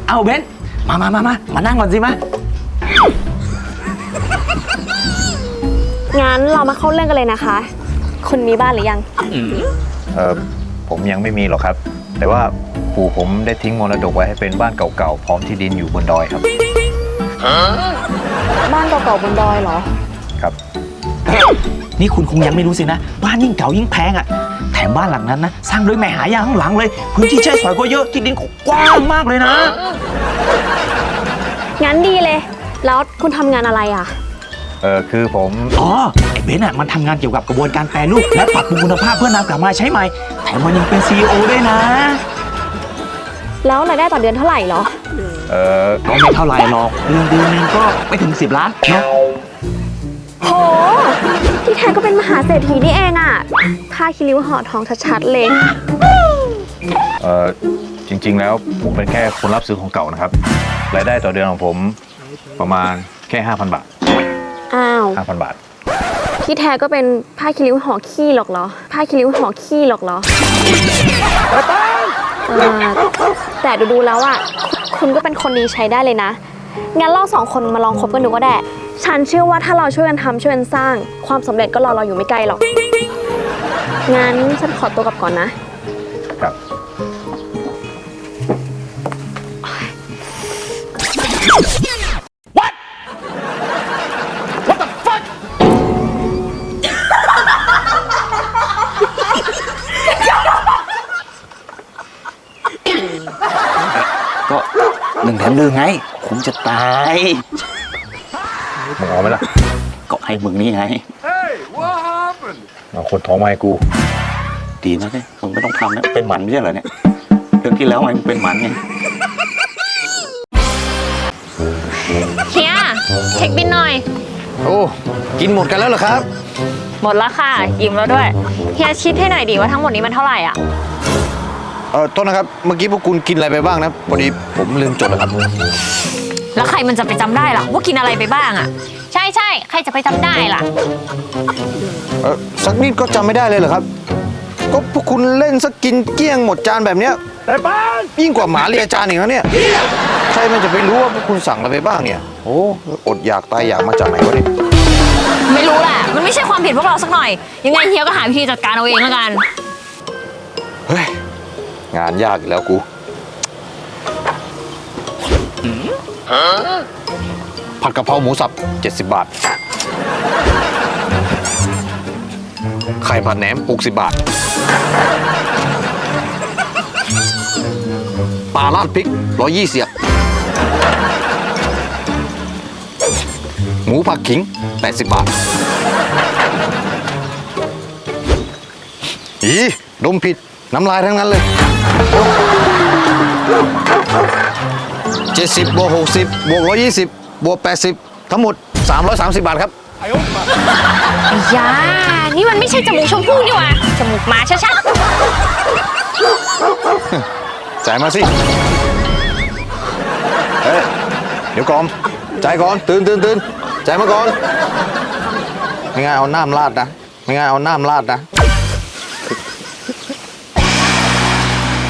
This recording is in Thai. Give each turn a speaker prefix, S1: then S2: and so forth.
S1: เอาเบนมานั่งก่อนสิมา
S2: งั้นเรามาเข้าเรื่องกันเลยนะคะคุณมีบ้านหรือยัง
S3: ผมยังไม่มีหรอกครับแต่ว่าปู่ผมได้ทิ้งมรดกไว้ให้เป็นบ้านเก่าๆพร้อมที่ดินอยู่บนดอยครับ
S2: บ้านเก่าๆบนดอยเหรอ
S3: ครับ
S1: นี่คุณคงยังไม่รู้สินะบ้านยิ่งเก่ายิ่งแพงอ่ะแถมบ้านหลังนั้นนะสร้างโดยแม่หายาข้างหลังเลยพื้นที่ใช้สอยก็เยอะที่ดินกว้างมากเลยนะ
S2: งั้นดีเลยแล้วคุณทำงานอะไรอ่ะ
S3: คือผม
S1: ไอ้เบนซ์อ่ะมันทำงานเกี่ยวกับกระบวนการแปรรูปและปรับปรุงคุณภาพเพื่อนำกลับมาใช้ใหม่แถมมันยังเป็น CEO ด้วยนะ
S2: แล้วรายได้ต่อเดือนเท่าไหร่เหรอ
S1: ก็ไม่เท่าไหร่หรอกเดือนนึงก็ไม่ถึง10 ล้านนะ
S2: โหที่แท้ก็เป็นมหาเศรษฐีนี่เองอ่ะผ้าคีริ้วห่อทองชัดๆเลย
S3: จริงๆแล้วผมเป็นแค่คนรับซื้อของเก่านะครับรายได้ต่อเดือนของผมประมาณแค่ 5,000 บาท
S2: อ้าว
S3: 5,000 บาท
S2: ที่แท้ก็เป็นผ้าคีริ้วห่อขี้หรอกเหรอผ้าคีริ้วห่อขี้หรอกเหรอแต่ดูแล้วอ่ะคุณก็เป็นคนดีใช้ได้เลยนะงั้นเรา2 คนมาลองคบกันดูก็ได้ฉันเชื่อว่าถ้าเราช่วยกันทำช่วยกันสร้างความสำเร็จก็รอเราอยู่ไม่ไกลหรอกงั้นฉันขอตัวกลับก่อนนะครับ
S1: ก็1 แถม 1ไงคุ้มจะตาย
S3: มึงเอาไหมล่ะ
S1: ก็ให้มึงนี่ไง
S3: เอาคนท้องมาให้กู
S1: ดีนะเนี่ยมึงไม่ต้องทำนะเป็นหมันไม่ใช่เหรอเนี่ยเรื่องที่แล้วไงมึงเป็นหมันไง
S2: เฮียเช็คบินหน่อย
S3: โอ้กินหมดกันแล้วเหรอครับ
S2: หมดแล้วค่ะอิ่มแล้วด้วยเฮียคิดให้หน่อยดิว่าทั้งหมดนี้มันเท่าไหร่อ่ะ
S3: โทษนะครับเมื่อกี้พวกคุณกินอะไรไปบ้างนะพอดีผมลืมจดแล้วครับ
S2: แล้วใครมันจะไปจำได้ล่ะว่ากินอะไรไปบ้างอ่ะใช่ใครจะไปจำได้ล่ะ
S3: สักนิดก็จำไม่ได้เลยเหรอครับก็พวกคุณเล่นสักกินเกลี้ยงหมดจานแบบเนี้ยยิ่งกว่าหมาเลียจานอีกแล้วเนี่ยใครมันจะไปรู้ว่าพวกคุณสั่งอะไรไปบ้างเนี่ยโอ้อดอยากตายอยากมาจากไหนวะเนี่ย
S2: ไม่รู้แหละมันไม่ใช่ความผิดพวกเราสักหน่อยยังไงเฮียก็หาวิธีจัดการเอาเองแล้วกัน
S3: เฮ้ยงานยากอีกแล้วกูผัดกะเพราหมูสับ70 บาทไข่ผัดแหนม60 บาทปลาราดพริก120หมูผักขิง80 บาทดมผิดน้ำลายทั้งนั้นเลย70 บวก 60 บวก 120 บวก 80ทั้งหมด330 บาทครับ
S2: ยานี่มันไม่ใช่จมูกชมพู่นี่หว่าจมูกหมาชัด
S3: จ่ายมาสิเฮ้ยเดี๋ยวก่อนจ่ายก่อนตื่นจ่ายมาก่อนไม่งั้นเอาน้ำราดนะ